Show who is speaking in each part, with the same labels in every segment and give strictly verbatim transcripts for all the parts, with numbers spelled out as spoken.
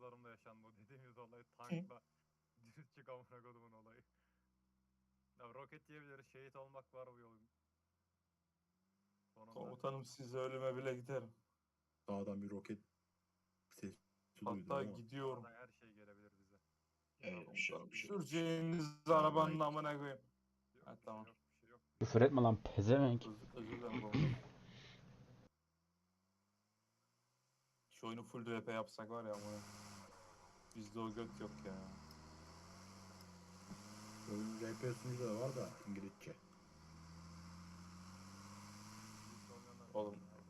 Speaker 1: bazılarımda yaşandı o dediğimiz olay. Tankla düz çık amına kodumun olayı. Ya roket yiyebiliriz. Şehit olmak var bu yolun. Sonunda.
Speaker 2: Komutanım siz ölüme bile giderim.
Speaker 3: Dağdan bir roket sesi duydum
Speaker 2: Hatta
Speaker 3: ama.
Speaker 2: gidiyorum.
Speaker 1: Dağdan her şey gelebilir bize.
Speaker 4: Evet, bir şey yok, bir şey yok.
Speaker 2: Süreceğiniz arabanın amına koyayım.
Speaker 1: Yok,
Speaker 2: Ha,
Speaker 1: bir
Speaker 2: tamam.
Speaker 1: şey yok, bir şey yok.
Speaker 5: Küfür etme lan pezevenk.
Speaker 2: Özür, özür dilerim komutanım. Şu oyunu full R P yapsak var ya ama. Bizde o gök yok ya.
Speaker 3: Oyun R P sunucu da var da İngilizce.
Speaker 1: Biz olmayanlar
Speaker 2: Oğlum.
Speaker 1: nerede?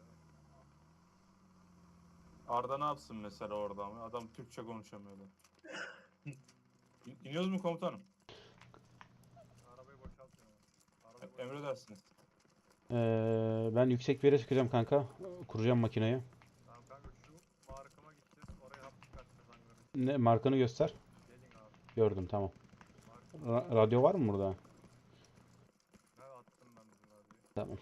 Speaker 2: Arda ne yapsın mesela orada ama? Adam Türkçe konuşamıyordu. İn- İniyoruz mu komutanım?
Speaker 1: Arabayı boşaltmıyor. Arabayı
Speaker 2: E- Emredersiniz.
Speaker 5: Ee, ben yüksek bir yere çıkacağım kanka. Kuracağım makineyi.
Speaker 1: Tamam kanka şu markama gideceğiz. Oraya hap çıkartacağız hangarın için.
Speaker 5: Ne markanı göster.
Speaker 1: Gelin abi.
Speaker 5: Gördüm tamam.
Speaker 1: Mark.
Speaker 5: Ra- radyo var mı burada?
Speaker 1: Ne attım ben bizim radyoyu.
Speaker 5: Tamam.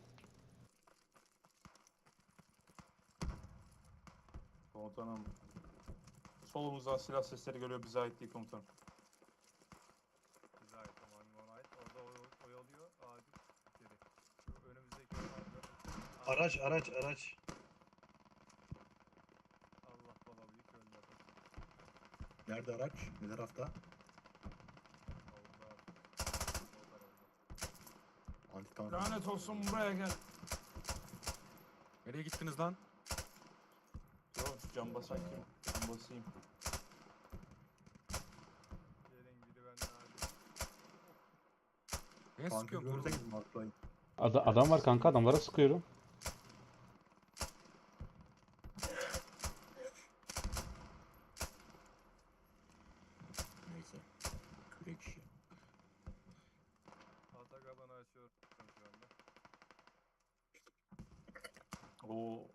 Speaker 2: Komutanım. Solumuzdan silah sesleri geliyor, bize ait değil komutanım.
Speaker 1: Bize ait ama hangi ona ait. Orada oy- oyalıyor. Acil geri. Şu önümüzdeki hangarın.
Speaker 4: Araç araç araç.
Speaker 1: Allah baba büyük öldü adam.
Speaker 3: Nerede araç? Ne tarafta?
Speaker 1: Solda. Solda oldu.
Speaker 3: Anti tank.
Speaker 2: Lanet olsun, buraya gel.
Speaker 6: Nereye gittiniz lan?
Speaker 2: Yok, cam basan kim? Cam basayım.
Speaker 1: Gelin biri benden acil.
Speaker 6: Neye
Speaker 3: Tankı
Speaker 6: sıkıyorsun kurban?
Speaker 3: görürseniz marklayın.
Speaker 5: Ada- adam var kanka, adamlara sıkıyorum.
Speaker 3: Neyse. Kürek işi.
Speaker 1: Atakabanı açıyorum şu anda.
Speaker 2: Oo.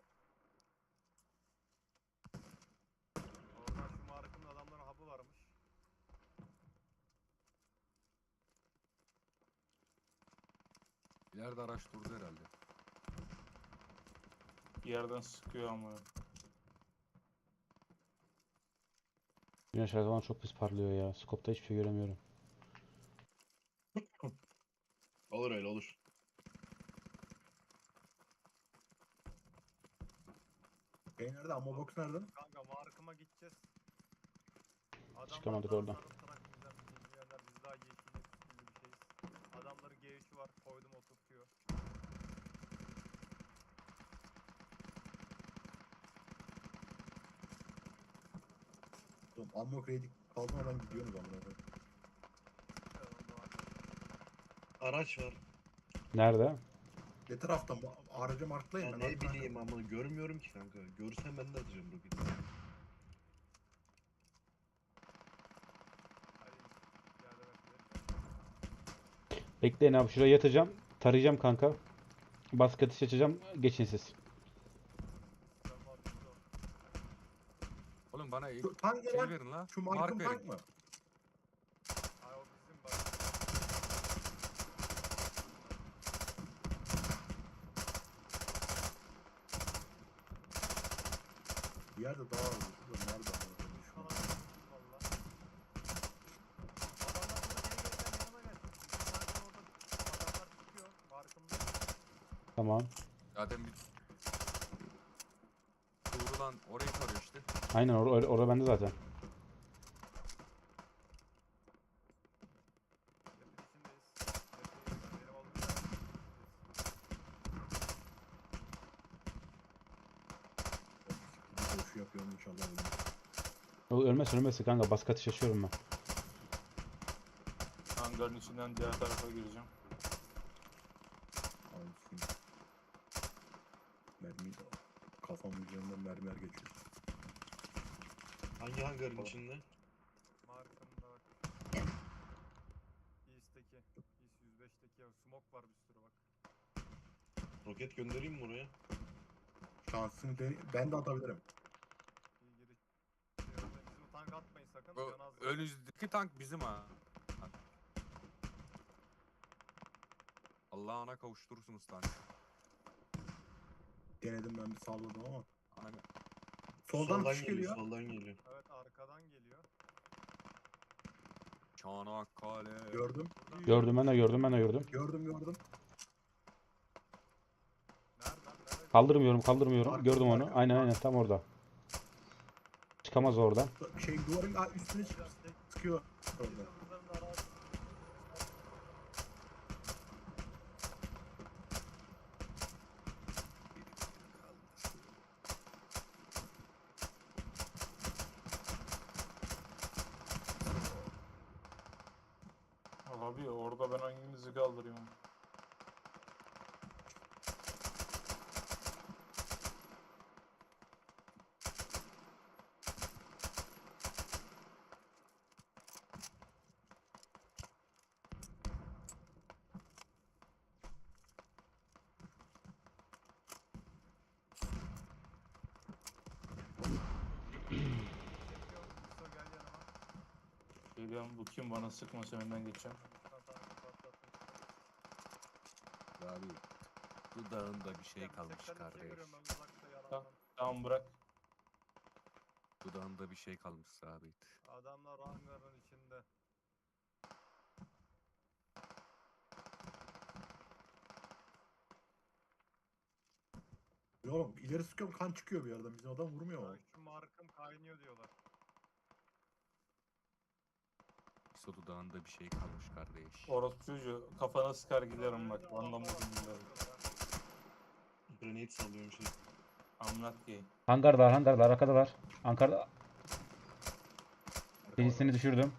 Speaker 1: Oradan şu markımın adamların hapı varmış.
Speaker 6: İleride araç durdu herhalde.
Speaker 2: Bir yerden sıkıyor ama.
Speaker 5: Güneş her zaman çok pis parlıyor ya. Scope'da hiçbir şey göremiyorum.
Speaker 4: Olur öyle olur.
Speaker 3: Şey nerede? Ammo box nerede?
Speaker 1: Kanka markıma gideceğiz. Adamlar
Speaker 5: Çıkamadık
Speaker 1: daha
Speaker 5: oradan.
Speaker 1: sarı trak bizden bilmeyenler biz daha yeşil yeşil bir şeyiz. Adamların G üçü var koydum oturtuyor.
Speaker 3: Oğlum ammo kredi kalmadan gidiyorsunuz amına koyayım.
Speaker 1: Evet, onda var.
Speaker 4: Araç var.
Speaker 5: Nerede?
Speaker 3: Ne tarafta? Ma- Aracı marklayın.
Speaker 4: Ya
Speaker 3: ben
Speaker 4: ne
Speaker 3: arkadan-
Speaker 4: bileyim ama görmüyorum ki kanka. Görsem ben de atacağım roketi.
Speaker 1: Hadi yardım et.
Speaker 5: Bekleyin abi, şuraya yatacağım. Tarayacağım kanka. Baskı ateş açacağım. Geçin siz.
Speaker 1: Ben markımda ol.
Speaker 6: Oğlum bana el,
Speaker 3: Şu tank ne
Speaker 6: şey
Speaker 3: lan?
Speaker 6: verin la.
Speaker 3: Şu
Speaker 6: Mark
Speaker 3: markım
Speaker 6: verin.
Speaker 3: tank mı?
Speaker 1: Ay o bizim bak.
Speaker 3: Bir yerde daha var. Şurada nerede amına koyayım şu an?
Speaker 1: Sana valla. Adamlar burada gelirken yanıma gelsin. Bizim markın orada adamlar çıkıyor. Markımda.
Speaker 5: Tamam.
Speaker 6: Zaten bir doğrulan orayı tarıyor işte.
Speaker 5: Aynen or or orada bende zaten.
Speaker 1: Yapın içindeyiz. Yapın, benim olduğum yer.
Speaker 3: Bir koşu yapıyorum inşallah ölmem.
Speaker 5: O ölmez ölmez kanka, baskı ateş açıyorum ben.
Speaker 2: Hangarın içinden diğer tarafa gireceğim.
Speaker 3: Anasını. Mermi kafamın üzerinden mermiler geçiyor.
Speaker 4: Hangi hangarın içinde?
Speaker 1: Markımda bak. East'teki. East yüz beşteki ya. Smoke var bir sürü bak.
Speaker 4: Roket göndereyim mi oraya?
Speaker 3: Şansını de ben de atabilirim.
Speaker 1: İyi giriş. Şey, öyle bizim tank atmayın sakın.
Speaker 6: O
Speaker 1: Can az.
Speaker 6: önünüzdeki tank bizim ha. Allah'ına kavuşturursunuz tank.
Speaker 3: Denedim ben bir salladım ama.
Speaker 6: Aynen.
Speaker 3: Soldan atış geliyor.
Speaker 4: Soldan geliyor.
Speaker 1: Evet arkadan geliyor.
Speaker 6: Çanakkale.
Speaker 3: Gördüm.
Speaker 5: Gördüm ben de gördüm ben de gördüm.
Speaker 3: Gördüm gördüm.
Speaker 1: Nereden? Nerede?
Speaker 5: Kaldırmıyorum kaldırmıyorum.
Speaker 3: Arka-
Speaker 5: Gördüm onu.
Speaker 3: arka-
Speaker 5: Aynen aynen tam orada. Çıkamaz oradan.
Speaker 3: Şey duvarın aa, üstüne çık
Speaker 1: Biraz tek
Speaker 3: sıkıyor orada.
Speaker 1: yıldızların arası.
Speaker 2: Abi orada ben hanginizi kaldırıyorum?
Speaker 1: Çekiyorum. Kısa gel yanıma.
Speaker 2: Geliyorum bu kim bana sıkmasa önden geçeceğim.
Speaker 1: Patlatın, patlatın.
Speaker 6: Abi dudağında bir şey
Speaker 1: Ya,
Speaker 6: kalmış
Speaker 1: seksen ikiye
Speaker 6: kardeş.
Speaker 1: görüyorum ben uzakta yalandan.
Speaker 2: Tamam bırak.
Speaker 6: Dudağında bir şey kalmış sabit.
Speaker 1: Adamlar hangarın içinde.
Speaker 3: Oğlum ileri sıkıyorum kan çıkıyor bir yerden. Bizim adam vurmuyor mu?
Speaker 1: Ya şu markım kaynıyor diyorlar.
Speaker 6: İso dudağında bir şey kalmış kardeş.
Speaker 2: Orospu çocuğu kafana sıkar giderim bak.
Speaker 1: Önünde
Speaker 2: Anlam
Speaker 1: adamlar var,
Speaker 2: bugün giderim.
Speaker 1: bakıyorlar ha.
Speaker 4: Grenade sallıyorum şey.
Speaker 2: Amnat ki.
Speaker 5: Hangardalar hangardalar arkadalar. Ankara'da. Birisini düşürdüm.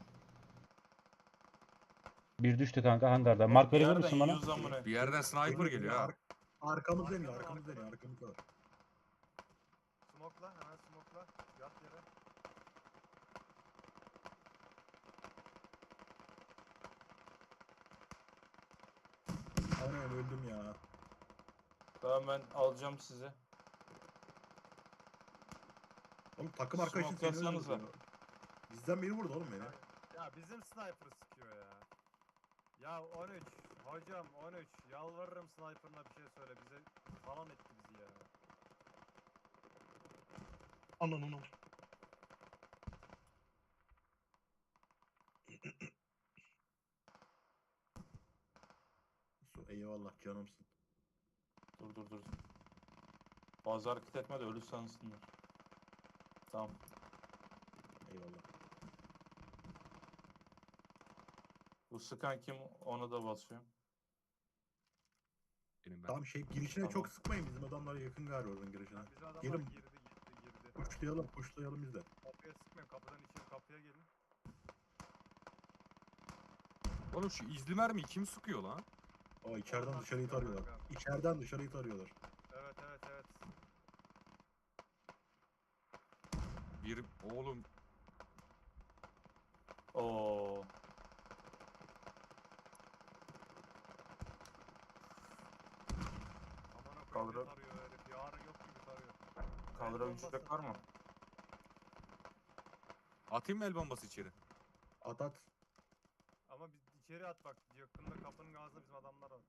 Speaker 5: Bir düştü kanka hangarda. Mark verebilir misin bana?
Speaker 6: Bir yerden sniper geliyor ha.
Speaker 3: Arkamız dönüyor arkamız dönüyor arkamız var.
Speaker 1: Smoke'la hemen smoke'la. Yat yere.
Speaker 3: Aynen öldüm ya.
Speaker 2: Tamam ben alacağım sizi.
Speaker 3: Oğlum takım arkadaşın seni
Speaker 2: Smoklasanıza.
Speaker 3: öldürdü. Bizden biri vurdu oğlum beni.
Speaker 1: Ya bizim sniper sıkıyor ya. Ya on üç. Hocam on üç. Yalvarırım sniper'ına bir şey söyle. Bize falan etti bizi ya.
Speaker 4: Anan anan.
Speaker 3: Su, eyvallah canımsın.
Speaker 2: Dur dur dur. Fazla hareket etme de ölü sansınlar. Tamam.
Speaker 3: Eyvallah.
Speaker 2: Bu sıkan kim onu da basıyorum.
Speaker 6: Benim ben.
Speaker 3: Tamam şey girişine
Speaker 2: Tamam.
Speaker 3: çok sıkmayın bizim adamlar yakın galiba oradan girişine.
Speaker 1: Ya bizim adamlar
Speaker 3: Gelin.
Speaker 1: girdi girdi girdi.
Speaker 3: Puşlayalım puşlayalım biz de.
Speaker 1: Kapıya sıkmayın. Kapıdan içeri kapıya gelin.
Speaker 6: Oğlum şu izli mermiyi kim sıkıyor lan?
Speaker 3: Aa içeriden
Speaker 1: Onlar
Speaker 3: dışarıyı
Speaker 1: sıkıyor
Speaker 3: tarıyorlar.
Speaker 1: kanka.
Speaker 3: İçeriden dışarıyı tarıyorlar.
Speaker 1: Evet evet evet.
Speaker 6: Bir oğlum
Speaker 2: Oo.
Speaker 1: Aman okuyayım
Speaker 2: Kaldır-
Speaker 1: ne tarıyor herif. Yarın yok gibi tarıyor.
Speaker 2: Kaldırabilecek var mı?
Speaker 6: atayım mı el bombası içeri?
Speaker 3: At at.
Speaker 1: Ama biz içeri at bak. Yakında kapının ağzında bizim adamlar var.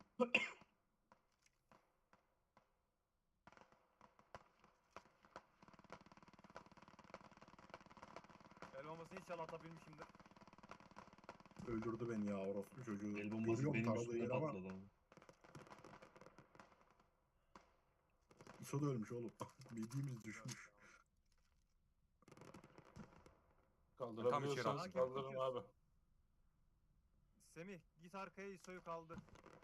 Speaker 1: El bombasını inşallah atabilmişimdir.
Speaker 3: Öldürdü beni ya orospu çocuğu.
Speaker 4: El bombası
Speaker 3: Görüyorum
Speaker 4: benim
Speaker 3: taradığı
Speaker 4: üstüme
Speaker 3: yeri ama
Speaker 4: patladı ama.
Speaker 3: İso da ölmüş oğlum. Bildiğimiz düşmüş.
Speaker 2: Kaldırabiliyorsanız
Speaker 1: içeri.
Speaker 2: kaldırın abi.
Speaker 1: Semih git arkaya İso'yu kaldır.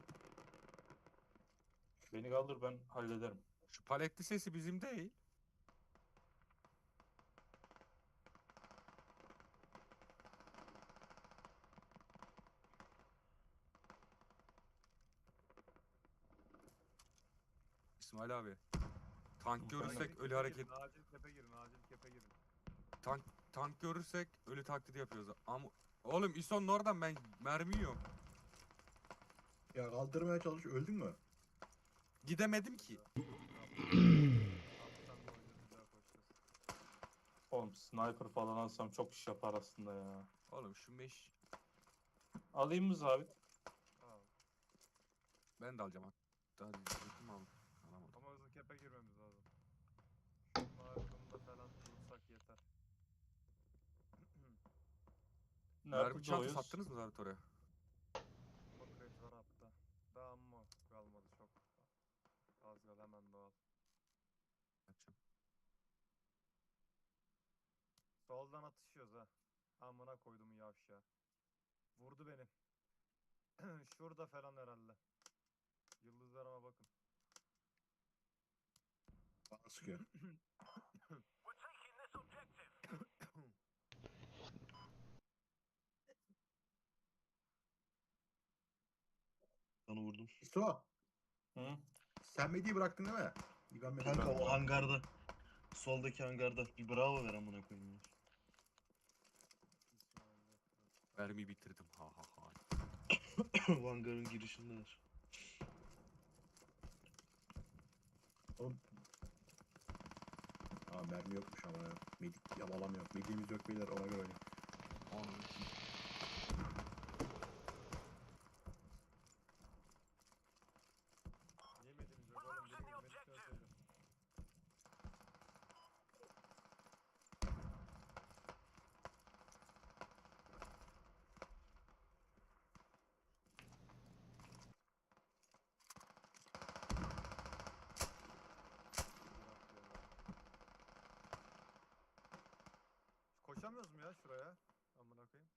Speaker 2: Beni kaldır ben hallederim.
Speaker 6: Şu paletli sesi bizim değil. İsmail abi. Tank görürsek
Speaker 1: Acil
Speaker 6: ölü
Speaker 1: kepe
Speaker 6: hareket
Speaker 1: girin, acil kepe girin, acil kepe girin.
Speaker 6: tank tank görürsek ölü taklidi yapıyoruz. Ama oğlum İso'nun oradan ben mermi yiyorum.
Speaker 3: Ya kaldırmaya çalış öldün mü?
Speaker 6: Gidemedim ki.
Speaker 1: Kaptan da oynuyoruz, bir daha koşacağız.
Speaker 2: Oğlum sniper falan alsam çok iş yapar aslında ya.
Speaker 6: Oğlum şu meş
Speaker 2: Alayım mı zabit?
Speaker 1: Al.
Speaker 6: ben de alacağım. Hatta diyecektim al. Alamadım.
Speaker 1: Ama hızlı kepe girmemiz lazım. Markımda
Speaker 6: Mermi
Speaker 2: Nerede
Speaker 6: çanta
Speaker 2: doğuyoruz?
Speaker 6: sattınız mı Zabit oraya?
Speaker 1: O kredi var hatta. Daha mı kalmadı çok. Az kaldı hemen doğal.
Speaker 6: Açım.
Speaker 1: Soldan atışıyoruz ha. Amına koydum yavşağı. Vurdu beni. Şurada falan herhalde. Yıldızlarıma bakın.
Speaker 3: Bana sıkıyor.
Speaker 4: Sana vurdum.
Speaker 3: İso,
Speaker 2: Hı?
Speaker 3: sen Medi'yi bıraktın değil mi? İyi, Ben Medi'yi
Speaker 4: Kanka
Speaker 3: bıraktım.
Speaker 4: o hangarda. Soldaki hangarda. Bir bravo ver amına koyayım ya.
Speaker 6: Mermiyi bitirdim. Ha ha ha.
Speaker 4: O hangarın girişindeler.
Speaker 3: Oğlum. Aa mermi yokmuş ama ya. Medik yabalamıyor. Mediğimiz yok beyler, ona göre oynayın.
Speaker 6: Onu
Speaker 1: Yemediniz yok oğlum. Biri yemedikten söyle. Koşamıyoruz mu ya şuraya? Amına koyayım.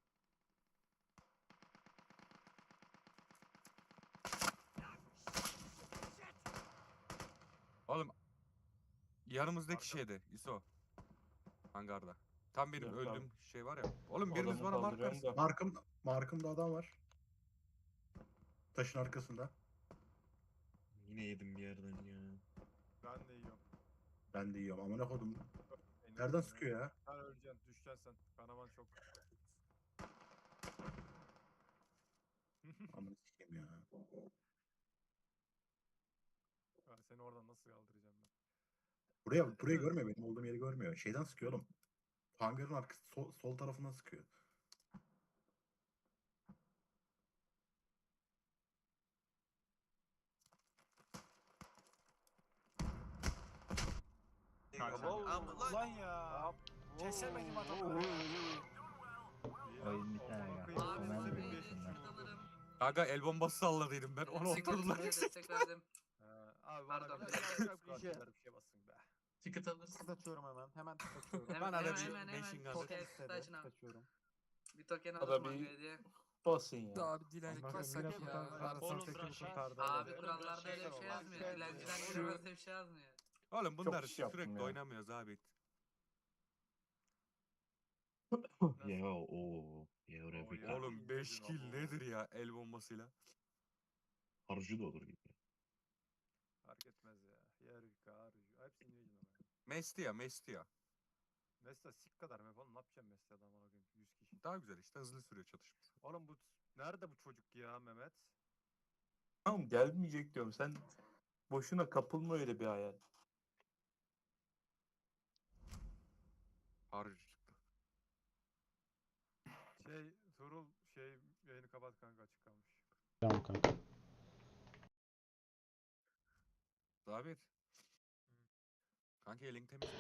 Speaker 6: Oğlum yanımızdaki
Speaker 1: Arka-
Speaker 6: şeyde İso. Hangarda. Tam benim
Speaker 2: Yok
Speaker 6: öldüğüm
Speaker 2: abi.
Speaker 6: şey var ya. Oğlum biriniz
Speaker 2: Adamı
Speaker 6: bana mark
Speaker 2: kaldırıyorum
Speaker 6: versin.
Speaker 2: da.
Speaker 3: Markım, markımda adam var. Taşın arkasında.
Speaker 4: Yine yedim bir yerden ya.
Speaker 1: Ben de yiyorum.
Speaker 3: Ben de yiyorum. Amına kodum.
Speaker 1: Beni
Speaker 3: Nereden
Speaker 1: beni.
Speaker 3: sıkıyor ya?
Speaker 1: Sen öleceksin. Düşeceksin sen. Kanaman çok.
Speaker 3: Amına sikeyim ya.
Speaker 1: Ben seni oradan nasıl kaldıracağım ben?
Speaker 3: Buraya, burayı görmüyor. Benim olduğum yeri görmüyor. Şeyden sıkıyor oğlum. Hangarın arkası sol, sol tarafından sıkıyor.
Speaker 1: Ulan ya. Kesemedim adamı.
Speaker 7: Oyun bir tane
Speaker 1: Amına
Speaker 7: ya.
Speaker 1: koyayım,
Speaker 7: Hemen
Speaker 1: elinize bir
Speaker 7: vuruyorsun
Speaker 1: geçmiş
Speaker 7: lan.
Speaker 1: olsun.
Speaker 6: Kanka el bombası salladıydım ben. Onu oturdular yüksek.
Speaker 8: Destek verdim.
Speaker 1: Ha, abi bana
Speaker 8: Pardon.
Speaker 1: bir şeyler bir şey basın be.
Speaker 9: Ticket alırsın. Ticket açıyorum hemen. Hemen ticket açıyorum.
Speaker 8: Hemen
Speaker 6: Bana da
Speaker 8: hemen
Speaker 6: bir
Speaker 8: hemen hemen.
Speaker 6: machine gun.
Speaker 8: Token
Speaker 9: Token istedi.
Speaker 8: açın abi.
Speaker 9: Açıyorum.
Speaker 8: Bir token
Speaker 2: Ada
Speaker 8: alırım
Speaker 2: bir-
Speaker 8: mangaya diye.
Speaker 2: Basın ya.
Speaker 6: Abi dilencilik
Speaker 9: Bakın
Speaker 6: bassak
Speaker 9: yine
Speaker 6: ya.
Speaker 9: Arasal tekini kurtardı.
Speaker 8: Abi
Speaker 9: Hadi.
Speaker 8: kurallarda öyle bir şey yazmıyor. Dilenciler
Speaker 6: Şu-
Speaker 8: giremez diye bir şey yazmıyor.
Speaker 6: Oğlum bunlar
Speaker 2: iş yaptım
Speaker 6: sürekli
Speaker 2: ya.
Speaker 6: oynamıyoruz abi.
Speaker 4: Ya o. Ya oraya
Speaker 1: Oo,
Speaker 4: bir
Speaker 1: ya.
Speaker 6: Oğlum beş
Speaker 1: Yedin
Speaker 6: kill
Speaker 1: ama.
Speaker 6: nedir ya el bombasıyla?
Speaker 4: harcı da olur gibi.
Speaker 1: Fark etmez ya. Yer yıkar. Hepsini yiyeceksin ama. ya.
Speaker 6: Mesti ya mesti ya.
Speaker 1: Mesela sik kadar mı yapalım? Ne yapacağım mesela adamı koyayım? yüz kişi.
Speaker 6: Daha güzel işte hızlı sürüyor çatışma.
Speaker 1: Oğlum bu nerede bu çocuk ya Mehmet?
Speaker 2: Tamam gelmeyecek diyorum. Sen boşuna kapılma öyle bir hayal.
Speaker 6: Harcı çıktı.
Speaker 1: Şey Turul şey yayını kapat kanka, açık kalmış.
Speaker 5: Tamam kanka.
Speaker 6: Zabit. Kanka elin temiz mi?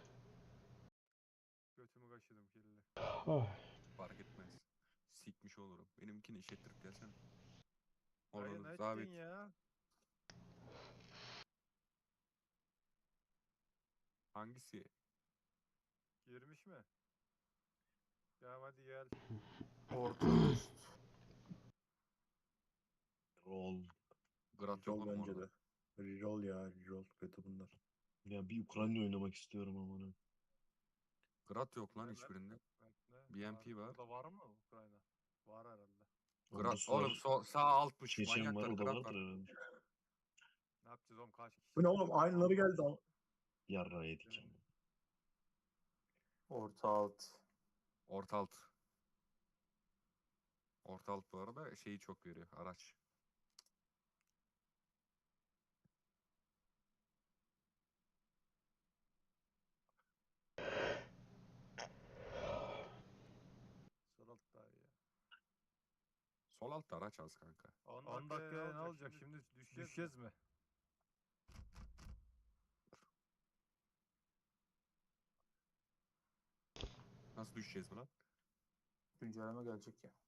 Speaker 1: Götümü kaşıdım kirli.
Speaker 5: Oh.
Speaker 6: Fark etmez. Sikmiş olurum. Benimkini işlettirip gelsene.
Speaker 1: Dayı
Speaker 6: Olur
Speaker 1: ne
Speaker 6: Zabit.
Speaker 1: ettin ya?
Speaker 6: Hangisi?
Speaker 1: Girmiş mi? Ya hadi gel.
Speaker 2: Orta üst.
Speaker 4: Rol.
Speaker 6: Grant yok
Speaker 3: Rol
Speaker 6: oğlum
Speaker 3: bence
Speaker 6: orada.
Speaker 3: de. Rol ya. Rol kötü bunlar.
Speaker 4: Ya bir Ukrayna oynamak istiyorum amına.
Speaker 6: Grat yok lan
Speaker 1: Hemen.
Speaker 6: hiçbirinde.
Speaker 1: Bekle.
Speaker 6: B M P var.
Speaker 1: Burada var mı Ukrayna? Var herhalde.
Speaker 4: Onda
Speaker 6: Grat
Speaker 4: su
Speaker 6: oğlum
Speaker 4: var.
Speaker 6: so sağ altmış
Speaker 4: Çeçen var,
Speaker 6: manyaklar
Speaker 4: o da
Speaker 6: Grat
Speaker 4: vardır
Speaker 6: var.
Speaker 4: herhalde.
Speaker 1: Ne yapacağız oğlum, kaç kişi?
Speaker 3: Bu ne oğlum? Aynıları geldi ama.
Speaker 4: Yarra yedik ama.
Speaker 2: Orta alt.
Speaker 6: Orta alt. Orta alt bu arada şeyi çok veriyor araç.
Speaker 1: Surat daha iyi.
Speaker 6: Sol altta araç az kanka.
Speaker 1: on dakika ne olacak şimdi, düşeceğiz mi?
Speaker 6: Nasıl düşeceğiz mi lan?
Speaker 2: Güncelleme gelecek ya.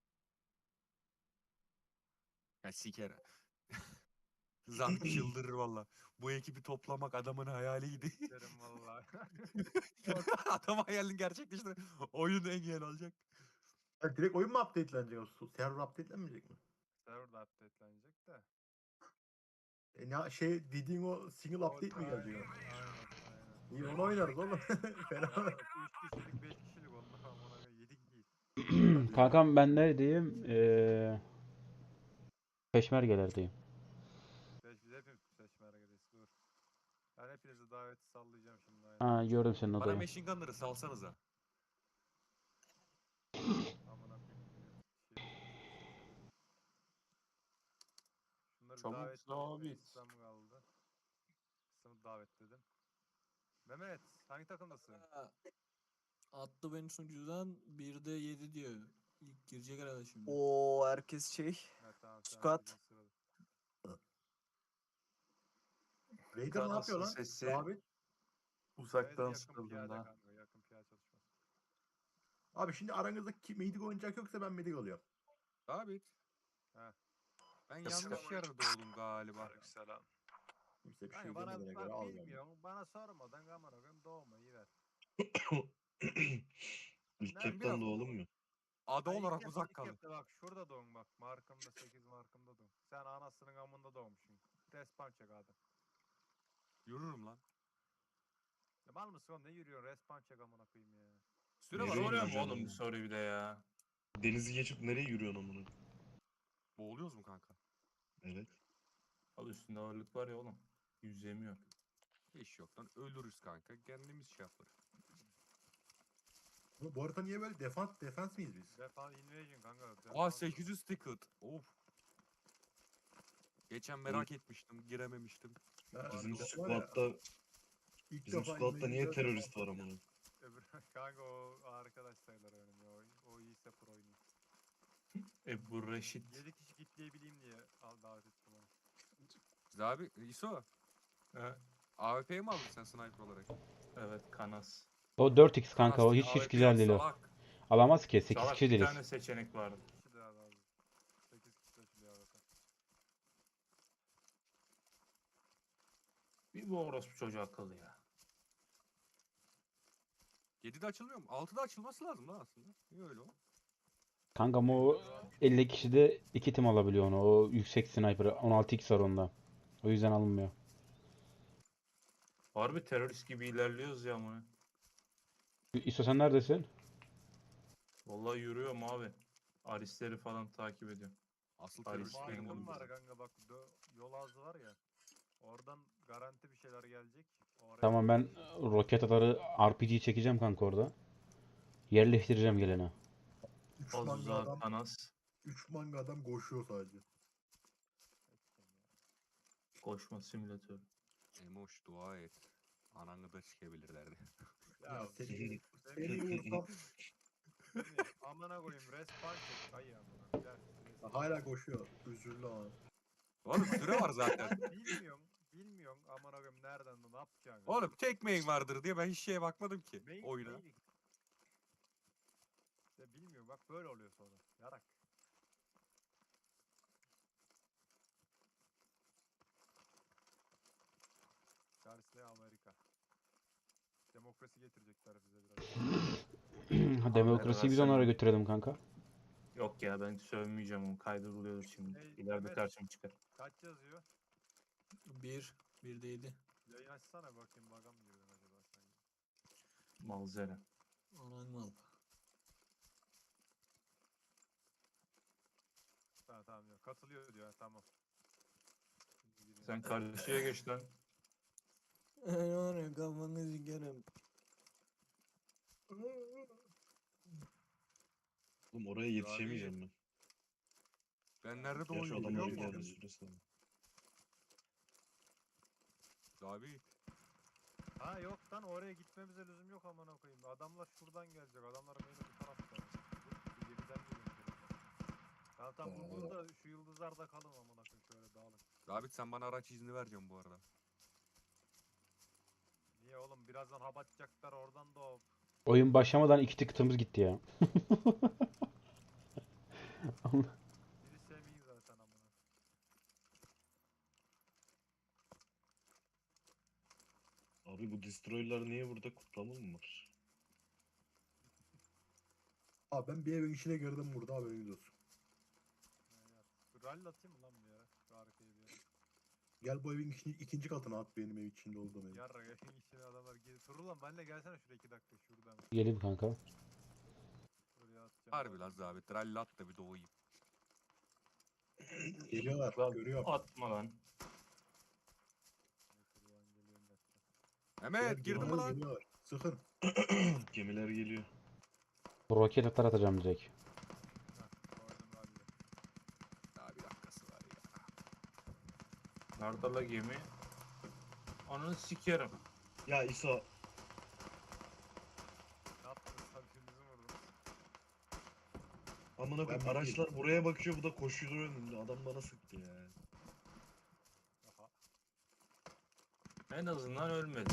Speaker 6: Ya siker. Zank çıldırır valla. Bu ekibi toplamak adamın hayaliydi.
Speaker 1: Derim vallahi.
Speaker 6: Adam hayalini gerçekleştir. Oyun engel olacak.
Speaker 3: Ha, direkt oyun mu updatelenecek? O su- server updatelenmeyecek mi?
Speaker 1: Server da updatelenecek de.
Speaker 3: E ne şey dediğin o single
Speaker 1: O-
Speaker 3: update mi gelecek?
Speaker 1: Aynen,
Speaker 3: o?
Speaker 1: aynen, aynen.
Speaker 3: İyi onu oynarız oğlum. Fena.
Speaker 1: üç kişilik beş kişilik onlar amına yedi kişi.
Speaker 5: Kankam ben neredeyim? Ee, Peşmergelerdeyim.
Speaker 1: Beş, biz hepimiz seçmeredeyiz dur. Ben hepinizi daveti sallayacağım şimdi aynen.
Speaker 5: Ha gördüm senin
Speaker 6: Bana
Speaker 5: odayı.
Speaker 6: machine gunları salsanıza.
Speaker 1: Amına koyayım. Şey, seçelim. Şunları bir
Speaker 2: Çabuk
Speaker 1: davet
Speaker 2: sabit.
Speaker 1: edeyim. İslam kaldı. İslam'ı davetledim. Mehmet hangi takımdasın?
Speaker 7: Ha, attı beni sunucudan bir de yedi diyor. İlk girecek herhalde şimdi.
Speaker 9: Oo herkes şey.
Speaker 1: Ha, tamam, sen
Speaker 9: Squad.
Speaker 1: birinci sırada.
Speaker 3: Raider ne
Speaker 2: Kanasın
Speaker 3: yapıyor lan?
Speaker 2: sesi
Speaker 3: Abi,
Speaker 1: Beyler
Speaker 2: uzaktan
Speaker 1: yakın
Speaker 2: sıkıldım
Speaker 1: piyade
Speaker 2: da.
Speaker 1: kanka, yakın piyade çalışması.
Speaker 3: abi şimdi aranızda kim Medic oynayacak yoksa ben Medic oluyorum.
Speaker 6: Abi.
Speaker 1: Ha.
Speaker 6: Ben
Speaker 2: Selam.
Speaker 6: yanlış yerde doğdum galiba.
Speaker 1: Selam.
Speaker 3: Kimse bir şey
Speaker 1: Kanka bana
Speaker 3: demediğine göre
Speaker 1: bak,
Speaker 3: al yani.
Speaker 1: bilmiyorum. Bana sormadan kamera koyayım doğmayı ver.
Speaker 4: Üstlükten
Speaker 6: biraz-
Speaker 4: doğalım mı?
Speaker 6: Ada
Speaker 1: Ha, ilk
Speaker 6: olarak
Speaker 1: yap-
Speaker 6: uzak
Speaker 1: ilk
Speaker 6: kalın.
Speaker 1: yapta bak şurada doğun bak. Markımda sekiz markımda doğun. Sen anasının amında doğmuşsun. Respawn çek adam.
Speaker 6: Yürürüm lan.
Speaker 1: Ya mal mısın oğlum ne yürüyorsun? Respawn çek amına koyayım ya.
Speaker 6: Süre var.
Speaker 4: Nereye
Speaker 2: Soruyor mu
Speaker 4: yürüyeceğim
Speaker 2: oğlum bu
Speaker 4: oğlum?
Speaker 2: soruyu bir de ya?
Speaker 4: Denizi geçip nereye yürüyorsun amına?
Speaker 6: Boğuluyoruz mu kanka?
Speaker 4: Evet.
Speaker 2: Al üstünde ağırlık var ya oğlum. Yüzemiyor.
Speaker 6: Hiç yok lan. Ölürüz kanka. Kendimiz şey yaparız.
Speaker 3: Bu, bu harita niye böyle defans defans miyiz biz?
Speaker 1: Defan invasion kanka.
Speaker 6: Aa
Speaker 1: defans-
Speaker 6: sekiz yüz ticket. Of. Geçen merak etmiştim. Girememiştim.
Speaker 3: Ha,
Speaker 4: Bizim
Speaker 3: var ya,
Speaker 4: squad'da
Speaker 3: ilk
Speaker 4: bizim
Speaker 3: defa
Speaker 4: squad'da niye
Speaker 3: invasion'da
Speaker 4: terörist
Speaker 3: defans-
Speaker 4: var amına?
Speaker 1: Öbür kanka o arkadaş sayılır benim ya. O, o iyiyse pro oynuyor.
Speaker 2: Ebu Reşit.
Speaker 1: yedi kişi kitleyebileyim diye al davet ettim onu.
Speaker 6: Biz abi İso.
Speaker 2: Ha,
Speaker 6: A W P'yi mi aldın sen sniper olarak?
Speaker 2: evet Kanas.
Speaker 5: O dört x kanka o
Speaker 6: Nasıl?
Speaker 5: hiç hiç
Speaker 6: A W P
Speaker 5: güzel değil o.
Speaker 6: salak.
Speaker 5: Alamaz ki sekiz
Speaker 2: Salak
Speaker 5: kişi
Speaker 2: bir
Speaker 5: değiliz.
Speaker 2: tane seçenek vardı.
Speaker 1: sekiz kişi daha lazım. sekiz kişi seçiliyor zaten.
Speaker 2: Bir bu orospu çocuğu akıllı ya.
Speaker 6: yedide açılmıyor mu? altıda açılması lazım lan aslında. Niye öyle o?
Speaker 5: Kanka ama o elli kişide iki tim alabiliyor onu. O yüksek sniper on altı x var onda. O yüzden alınmıyor.
Speaker 2: Harbi terörist gibi ilerliyoruz ya ama.
Speaker 5: İso sen neredesin?
Speaker 2: Vallahi yürüyorum abi. Arisleri falan takip ediyorum.
Speaker 6: Asıl
Speaker 2: Paris
Speaker 6: terörist benim
Speaker 2: Benim
Speaker 1: Markım
Speaker 6: oğlum.
Speaker 1: var kanka bak dö- yol ağzı var ya. Oradan garanti bir şeyler gelecek. Oraya
Speaker 5: Tamam ben roket atarı R P G çekeceğim kanka orada. Yerleştireceğim gelene.
Speaker 3: Üç manga
Speaker 2: Azuza
Speaker 3: adam,
Speaker 2: Kanas.
Speaker 3: üç manga adam koşuyor sadece.
Speaker 2: Koşma simülatörü.
Speaker 6: Emoş dua et. Ananı da çıkabilirlerdi.
Speaker 1: Ya,
Speaker 3: Ya seni,
Speaker 1: Semih,
Speaker 3: seni vursam
Speaker 1: Semih, amına koyayım respawn çek ay amına. Gel, respawn.
Speaker 3: hala koşuyor. Üzüldü ama.
Speaker 6: Oğlum süre var zaten.
Speaker 1: Bilmiyorum. Bilmiyorum amına koyayım nereden ne yapacaksın.
Speaker 6: Oğlum tek main vardır diye ben hiç şeye bakmadım ki
Speaker 1: Main-
Speaker 6: oyuna.
Speaker 1: main- İşte bilmiyorum bak böyle oluyor sonra. Yarak. Karşısında Amerika. Demokrasi getirecekler bize biraz.
Speaker 5: Demokrasiyi biz
Speaker 2: versen-
Speaker 5: onlara götürelim kanka.
Speaker 2: Yok ya ben sövmeyeceğim onu. Kaydırılıyor şimdi.
Speaker 1: Hey,
Speaker 2: İleride
Speaker 1: Mehmet.
Speaker 2: karşıma çıkar.
Speaker 1: Kaç yazıyor?
Speaker 7: Bir. Bir de yedi.
Speaker 1: Yayın açsana bakayım bagam giriyor acaba sen.
Speaker 2: Malzere.
Speaker 7: Anan mal.
Speaker 1: Tamam tamam diyor. Katılıyor diyor. ha, Tamam. Şimdi gireyim.
Speaker 2: Sen karşıya geç lan.
Speaker 7: Ay var ya kafanı sikerim.
Speaker 4: Oğlum oraya yetişemeyeceğim ben.
Speaker 6: Ben nerede
Speaker 4: Gerçi
Speaker 6: doğuyorum
Speaker 4: adamlar
Speaker 6: biliyor
Speaker 4: geldi
Speaker 6: musun?
Speaker 4: süresi var.
Speaker 6: Abi
Speaker 1: Ha yok lan oraya gitmemize lüzum yok amına koyayım. Adamlar şuradan gelecek. Adamların beni bu tarafta. Bu gemiden geliyor. Tamam tamam bu burada şu yıldızlarda kalın amına koyayım şöyle dağılın.
Speaker 6: Abi sen bana araç izni vereceksin bu arada.
Speaker 1: Niye oğlum birazdan hap atacaklar oradan da hop.
Speaker 5: Oyun başlamadan iki tıkıtımız gitti ya.
Speaker 1: Biri Semih'in zaten amına.
Speaker 4: Abi bu destroyer'lar niye burada, kutlama mı var?
Speaker 3: Abi ben bir evin içine girdim burada, haberiniz olsun.
Speaker 1: Şu rally atayım mı lan bir yere? Şu arkaya bir yere.
Speaker 3: Gel bu evin içini, ikinci katına at, benim ev içinde olduğum ev.
Speaker 1: Yarra evin içine adamlar geliyor. Dur lan benimle gelsene şuraya iki dakika şuradan.
Speaker 5: Gelin kanka.
Speaker 1: Şuraya atacağım.
Speaker 6: Harbi lan Zabit. Rally at da bir doğayım.
Speaker 3: Geliyorlar,
Speaker 2: Lan
Speaker 3: görüyorum.
Speaker 2: atma lan.
Speaker 1: Şuradan geliyorum bekle.
Speaker 6: Mehmet girdin mi lan?
Speaker 3: Geliyorlar. Sıkın.
Speaker 4: Gemiler geliyor.
Speaker 5: Roket atar atacağım direkt.
Speaker 1: Heh, koydum rally.
Speaker 6: Daha bir dakikası var ya.
Speaker 2: Nerede la gemi? Onu sikerim.
Speaker 4: Ya İso,
Speaker 1: Ne yaptınız? Hadi bizi vurdum.
Speaker 4: amına koyayım,
Speaker 3: Ben
Speaker 4: araçlar buraya bakıyor, bu da koşuyor önümde. Adam bana sıktı ya.
Speaker 1: Aha.
Speaker 2: En azından ölmedi.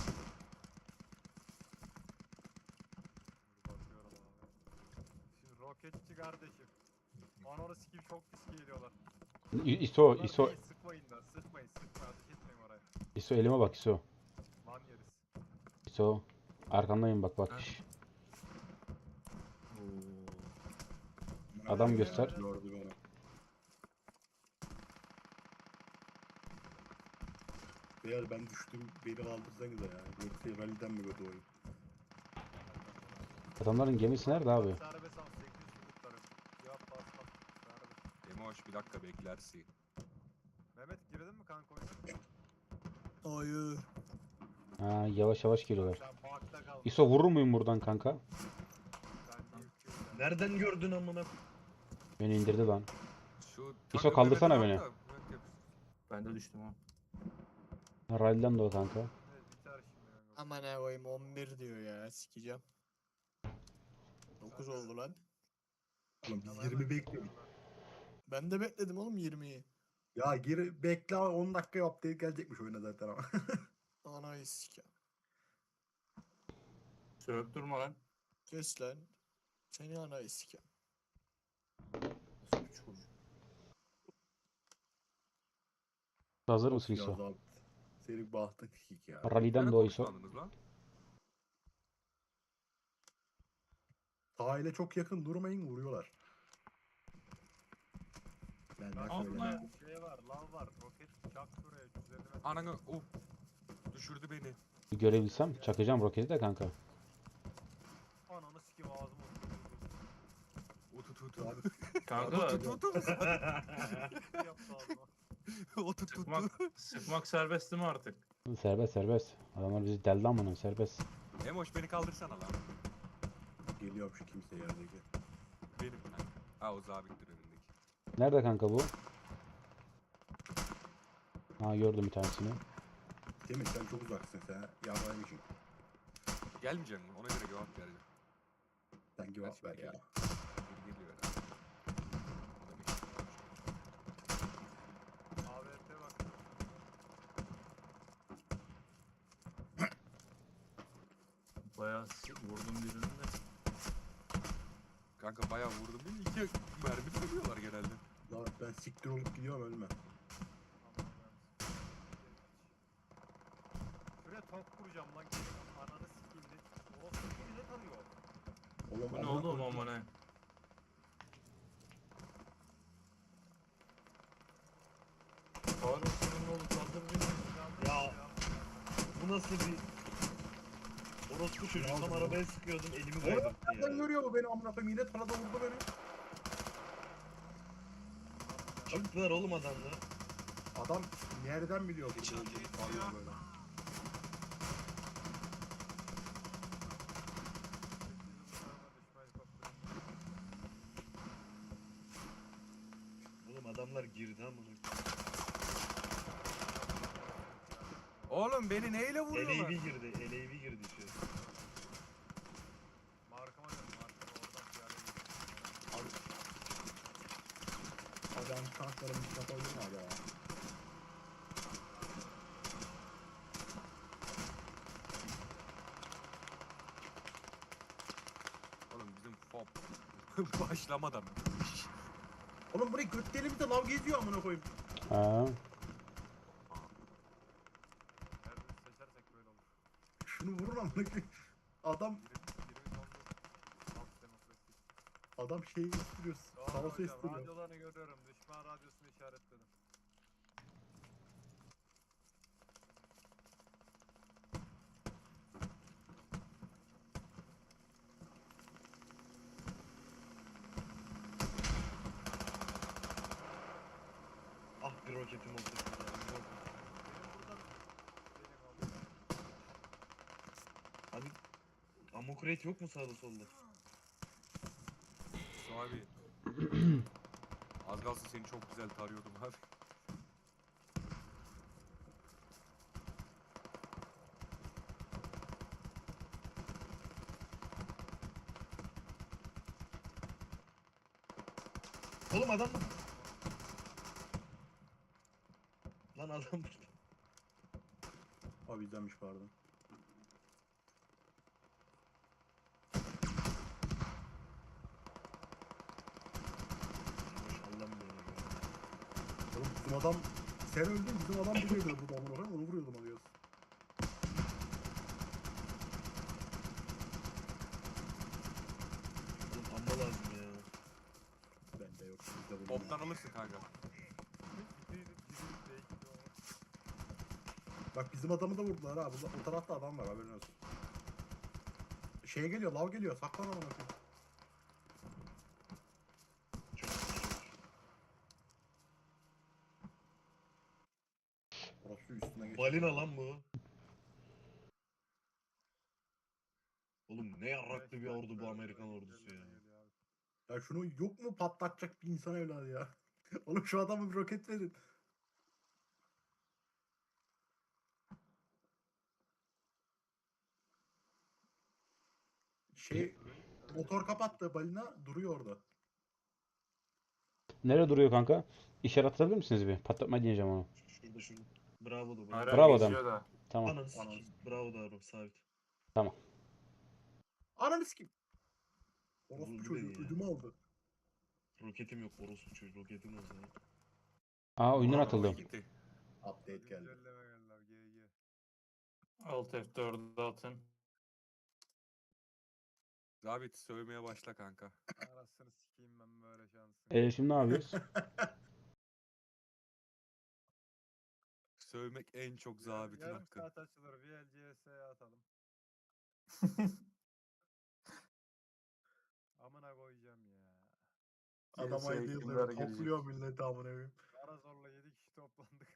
Speaker 1: Dur bakıyorum abi. Şimdi roketçi kardeşim. Ananı sikeyim çok pis geliyorlar.
Speaker 5: İ- ISO,
Speaker 1: Bunlar
Speaker 5: ISO,
Speaker 1: değil, sıkmayın da sıkmayın sıkmayın ateş etmeyin oraya.
Speaker 5: ISO elime bak ISO.
Speaker 1: Lan yeriz.
Speaker 5: ISO. Arkandayım bak bak.
Speaker 6: Ha.
Speaker 5: Şş.
Speaker 2: Oo.
Speaker 5: Adam göster.
Speaker 3: Gördü beni. Beyler ben düştüm, beni kaldırsanıza ya. Yoksa rally'den mi gördü oyun?
Speaker 5: Adamların gemisi nerede abi?
Speaker 1: Serbest al sekiz yüz kurtarım. Cevap basmaz. Serbest.
Speaker 6: Emoş bir dakika beklersin.
Speaker 1: Mehmet girdin mi kanka oyuna?
Speaker 7: Hayır.
Speaker 5: Ha, yavaş yavaş geliyorlar.
Speaker 1: Sen parkta kal.
Speaker 5: ISO vurur muyum buradan kanka?
Speaker 1: Ben de yükleyeyim.
Speaker 4: Nereden gördün amına?
Speaker 5: Beni indirdi lan.
Speaker 6: Şu
Speaker 5: İso,
Speaker 6: takım
Speaker 5: kaldırsana
Speaker 6: Mehmet'i
Speaker 5: beni.
Speaker 6: al da, Mehmet yapıştır.
Speaker 2: Ben de düştüm ha.
Speaker 5: Ha, Rally'den de o kanka.
Speaker 1: Evet biter şimdi kanka.
Speaker 7: Aman ne koyayım on bir diyor ya sikeceğim. dokuz oldu lan.
Speaker 3: Oğlum biz
Speaker 1: Ama
Speaker 3: yirmi
Speaker 1: hemen
Speaker 3: bekliyoruz.
Speaker 1: çıkıyorum
Speaker 7: Ben de bekledim oğlum yirmiyi.
Speaker 3: Ya gir bekle, on dakika yap deyip gelecekmiş oyuna zaten ama.
Speaker 7: Anayı sikeceğim.
Speaker 2: Sövüp durma lan.
Speaker 7: Kes lan. Seni anayı sikeceğim.
Speaker 5: Hazır mısın
Speaker 3: Ya
Speaker 5: ISO?
Speaker 3: abi, senin bahtın kik ya.
Speaker 5: Rally'den de o ISO.
Speaker 6: konuşlandınız lan?
Speaker 3: Sahile çok yakın durmayın, vuruyorlar. Ben
Speaker 1: Bak
Speaker 3: de
Speaker 2: Ama-
Speaker 3: söyleyeyim.
Speaker 1: şurada şey var, lav var, roket çak şuraya yüz elli metre.
Speaker 6: Ananı of. Düşürdü beni.
Speaker 5: Bir görebilsem çakacağım roketi de kanka.
Speaker 1: Ananı sikeyim ağzıma oturdu.
Speaker 6: Otu tutu.
Speaker 3: Abi,
Speaker 2: Kanka
Speaker 6: Otu tutu.
Speaker 1: Yaptı ağzıma.
Speaker 6: Otu tutu.
Speaker 2: sıkmak, sıkmak serbest değil mi artık?
Speaker 5: Serbest serbest. Adamlar bizi deldi amına serbest.
Speaker 6: Emoş beni kaldırsana lan.
Speaker 3: geliyorum şu kimse yerdeki.
Speaker 6: Benim. Ha, ha o zabittir önündeki.
Speaker 5: Nerede kanka bu? Ha, gördüm bir tanesini.
Speaker 3: Değil mi? Sen çok uzaksın sen. Yabancısın.
Speaker 6: Gelmeyecek mi? Ona göre cevap vereceğim.
Speaker 3: Sen cevap ver ya.
Speaker 6: Biri geliyor herhalde. Adam işte.
Speaker 1: A W P bak.
Speaker 2: Bayağı si- vurdum birini de.
Speaker 6: Kanka bayağı vurdum değil mi? İki mermi vuruyorlar genelde.
Speaker 3: Lan ben siktir olup gidiyorum, ölme.
Speaker 1: Aman ben- Şuraya top kuracağım lan. Ananı sikeyim de. Orası kimi ne tanıyor?
Speaker 3: Oğlum,
Speaker 2: Bu ne
Speaker 3: amına
Speaker 2: oğlum
Speaker 3: koydum.
Speaker 2: ama ne? Faruk senin oğlu kaldır beni.
Speaker 4: Ya bu nasıl bir... Orospu çocuğu, tam arabaya sıkıyordum, elimi
Speaker 3: Oğlum
Speaker 4: kaybetti
Speaker 3: nereden
Speaker 4: ya.
Speaker 3: görüyor bu beni amına koyayım? Yine tarada vurdu beni.
Speaker 4: Çıktılar oğlum adamlar.
Speaker 3: Adam nereden biliyor bu olduğunu arıyor böyle.
Speaker 4: Oğlum adamlar girdi amına.
Speaker 6: Oğlum beni neyle vuruyorlar?
Speaker 4: L A V girdi, L A V girdi şu.
Speaker 1: Markama dön, markama oradan piyade gidiyor.
Speaker 3: Adam tanklarım yapabilir mi abi ya?
Speaker 6: Hop. Başlamadan.
Speaker 3: Oğlum burayı göt delimizde lav geziyor amına koyayım.
Speaker 5: Ha.
Speaker 1: Nerede seçersek böyle olur.
Speaker 3: Şunu vurun amına koyayım. Adam
Speaker 1: yirmi yirmi oldu. Halk demokrasi.
Speaker 3: adam şeyi istiyor.
Speaker 1: Doğru
Speaker 3: Savaşı
Speaker 1: hocam.
Speaker 3: istiyor.
Speaker 1: Radyolarını görüyorum. Düşman radyosunu işaretledim.
Speaker 4: Ah bir roketim oldu.
Speaker 1: Benim buradan benim oldu.
Speaker 4: Abi ammo crate yok mu sağda solda?
Speaker 6: Su abi. Az kalsın seni çok güzel tarıyordum abi.
Speaker 4: Oğlum adam mı? Lan adam burada.
Speaker 3: Abi izlenmiş pardon.
Speaker 4: Maşallah mı böyle?
Speaker 3: Oğlum bizim adam sen öldün bizim adam buraya döndü amına koyayım onu vuruyordum alıyoruz.
Speaker 4: Oğlum amma lazım ya.
Speaker 3: Bende yok. Bizde vuruldu.
Speaker 6: Toptan alırsın kanka.
Speaker 1: Gidiydim, gidiydim, değişti o.
Speaker 3: Bak bizim adamı da vurdular ha. Burada, o tarafta adam var haberin olsun. Şey geliyor lav geliyor saklan amına koyayım.
Speaker 4: Çok
Speaker 3: Orası üstüne geçti.
Speaker 4: balina lan bu. Oğlum ne yarraklı bir ordu bu Amerikan ordusu ya.
Speaker 3: Ya şunu yok mu patlatacak bir insan evladı ya. Oğlum şu adama bir roket verin. Şey motor kapattı balina duruyor orada.
Speaker 5: Nerede duruyor kanka? İşaret atabilir misiniz bir? Patlatma diyeceğim onu.
Speaker 4: Şurada şurada. Bravo da bravo.
Speaker 2: Hala
Speaker 5: Bravo
Speaker 2: geziyor da.
Speaker 5: Tamam.
Speaker 4: Ananı sikeyim. Bravo da Arap sabit.
Speaker 3: Ananı sikeyim. Orospu
Speaker 4: Vurdu
Speaker 3: çocuğu
Speaker 4: beni ya.
Speaker 3: ödümü aldı.
Speaker 4: Roketim yok orospu çocuğu roketim olsa.
Speaker 5: Aa oyundan
Speaker 6: Aa,
Speaker 5: atıldım.
Speaker 6: gitti.
Speaker 3: Update geldi.
Speaker 1: Güncelleme geldi abi. G G.
Speaker 2: Alt F dördü atın.
Speaker 6: Zabit sövmeye başla kanka.
Speaker 1: Arasını sikeyim ben böyle şansın.
Speaker 5: E şimdi ne yapıyoruz?
Speaker 6: Sövmek en çok zabitin
Speaker 1: Yarım
Speaker 6: hakkı.
Speaker 1: saat açılır. V L C S'ye atalım. Amına koyacağım ya.
Speaker 3: Adam
Speaker 2: G S
Speaker 3: ayda
Speaker 2: kimler
Speaker 3: yıldır
Speaker 2: gelecek?
Speaker 3: topluyor milleti amına koyayım.
Speaker 1: Ara zorla yedi kişi toplandık.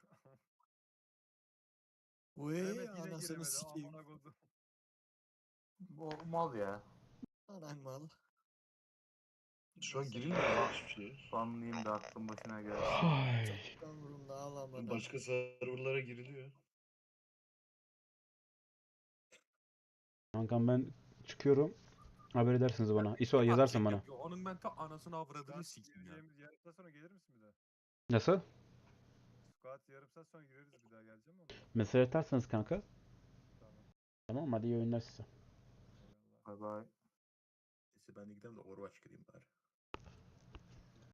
Speaker 7: Uy
Speaker 1: Mehmet yine
Speaker 7: anasını
Speaker 1: giremedi.
Speaker 7: sikeyim.
Speaker 1: Amına koydum.
Speaker 2: Bu mal ya.
Speaker 7: Anan mal.
Speaker 4: Şu an girilmiyor ya hiçbir şey.
Speaker 2: Banlayayım da aklım başına gelsin.
Speaker 5: Ay.
Speaker 7: Umurumda alamadım.
Speaker 4: Başka serverlara giriliyor.
Speaker 5: Kankam ben çıkıyorum. Haber edersiniz bana. İso yazarsın bana.
Speaker 6: Yapıyor. Onun ben ta anasını avradını
Speaker 1: Squat
Speaker 6: siktim ya.
Speaker 1: gireceğimiz yarım saat sonra gelir misin bir daha?
Speaker 5: Nasıl?
Speaker 1: Squat yarım saat sonra gireriz bir daha geleceğim mi?
Speaker 5: Mesaj atarsanız kanka.
Speaker 1: Tamam.
Speaker 5: Tamam hadi iyi oyunlar size.
Speaker 1: Eyvallah.
Speaker 2: Bye bye.
Speaker 3: Neyse ben de gidelim de Overwatch gireyim bari.